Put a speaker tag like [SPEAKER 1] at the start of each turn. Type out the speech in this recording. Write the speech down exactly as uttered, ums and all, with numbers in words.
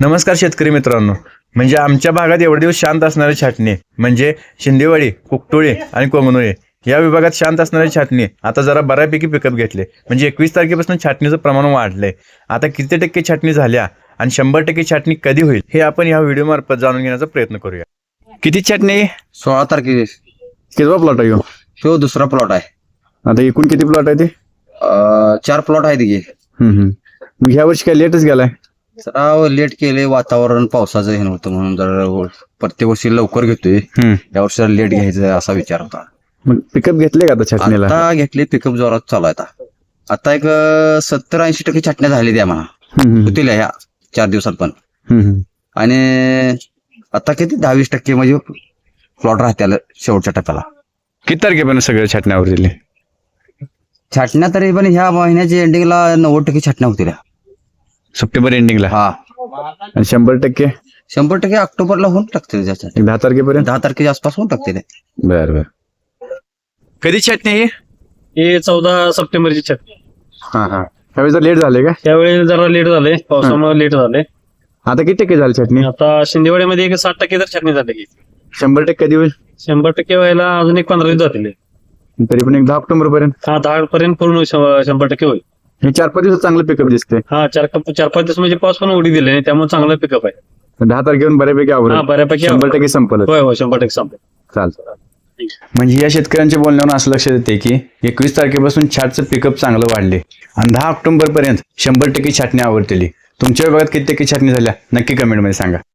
[SPEAKER 1] नमस्कार शेतकरी मित्रांनो. म्हणजे आमच्या भागात एवढे दिवस शांत असणारी छाटणी म्हणजे शिंदेवाडी, कुकटोळी आणि कोंगनोळी या विभागात शांत असणारी छाटणी आता जरा बऱ्यापैकी पिकअप घेतले. म्हणजे एकवीस तारखेपासून छाटणीचं प्रमाण वाढलंय. आता किती टक्के छाटणी झाल्या आणि शंभर टक्के छाटणी कधी होईल हे आपण या व्हिडिओ मार्फत जाणून घेण्याचा प्रयत्न करूया. किती छाटणी?
[SPEAKER 2] सोळा तारखे
[SPEAKER 1] कितवा प्लॉट आहे ह्यो?
[SPEAKER 2] तो दुसरा प्लॉट आहे.
[SPEAKER 1] आता एकूण किती प्लॉट आहे ते?
[SPEAKER 2] अं, चार प्लॉट आहेत की.
[SPEAKER 1] हम्म हम्म. मग ह्या वर्षी काय लेटच गेलाय?
[SPEAKER 2] जरा लेट केले, वातावरण पावसाचं हे नव्हतं म्हणून जरा प्रत्येक वर्षी लवकर घेतोय.
[SPEAKER 1] हम्म.
[SPEAKER 2] या वर्षी जरा लेट घ्यायचं असा विचार होता.
[SPEAKER 1] मग पिकअप घेतले का आता छाटणीला?
[SPEAKER 2] आता घेतले, पिकअप जोरात चालू आहे आता. आता एक सत्तर ऐंशी टक्के छाटण्या झाली द्या म्हणा
[SPEAKER 1] हम्म हम्म.
[SPEAKER 2] होतील ह्या चार दिवसात पण.
[SPEAKER 1] हम्म हम्म.
[SPEAKER 2] आणि आता किती दहा वीस टक्के म्हणजे प्लॉट राहत्याला शेवटच्या टप्प्याला.
[SPEAKER 1] किती तारखेपर्यंत सगळ्या छाटण्यावर दिले?
[SPEAKER 2] छाटण्या तरी पण ह्या महिन्याच्या एंडिंगला नव्वद टक्के छाटण्या होतील.
[SPEAKER 1] सप्टेंबर एंडिंगला?
[SPEAKER 2] हा,
[SPEAKER 1] आणि शंभर टक्के
[SPEAKER 2] शंभर टक्के ऑक्टोबरला होऊन टाकतील. त्याच्यात
[SPEAKER 1] एक दहा तारखेपर्यंत?
[SPEAKER 2] दहा तारखेच्या आसपास होऊन टाकतील.
[SPEAKER 1] बर बर. कधी छाटणी आहे?
[SPEAKER 3] हे चौदा सप्टेंबरची छाटणी.
[SPEAKER 1] हा हा. त्यावेळी जर लेट झाले का?
[SPEAKER 3] त्यावेळी जरा लेट झाले, पावसामुळे लेट झाले.
[SPEAKER 1] आता किती टक्के झाली छाटणी?
[SPEAKER 3] आता शिंदेवाड्यामध्ये एक साठ टक्के तर छाटणी झाली.
[SPEAKER 1] शंभर टक्के कधी होईल?
[SPEAKER 3] शंभर टक्के व्हायला अजून एक पंधरा दिवस जातील.
[SPEAKER 1] तरी पण एक दहा ऑक्टोबर पर्यंत?
[SPEAKER 3] हा, दहा पर्यंत पूर्ण श- शंभर टक्के होईल.
[SPEAKER 1] हे चार पाच दिवस चांगलं पिकअप दिसते.
[SPEAKER 3] हा, चार चार पाच दिवस म्हणजे पाऊस पण उडी दिले त्यामुळे चांगला पिकअप आहे.
[SPEAKER 1] दहा तारखेवर बऱ्यापैकी
[SPEAKER 3] हा,
[SPEAKER 1] आवडेल.
[SPEAKER 3] बऱ्यापैकी
[SPEAKER 1] शंभर टक्के संपलं.
[SPEAKER 3] होय होय शंभर टक्के संपेल.
[SPEAKER 1] चालतं. म्हणजे या शेतकऱ्यांच्या बोलण्यावरून असं लक्षात येते की एकवीस तारखेपासून छाटचं पिकअप चांगलं वाढले आणि दहा ऑक्टोबर पर्यंत शंभर टक्के छाटणी आवडतेली. तुमच्या विभागात किती टक्के छाटणी झाल्या नक्की कमेंटमध्ये सांगा.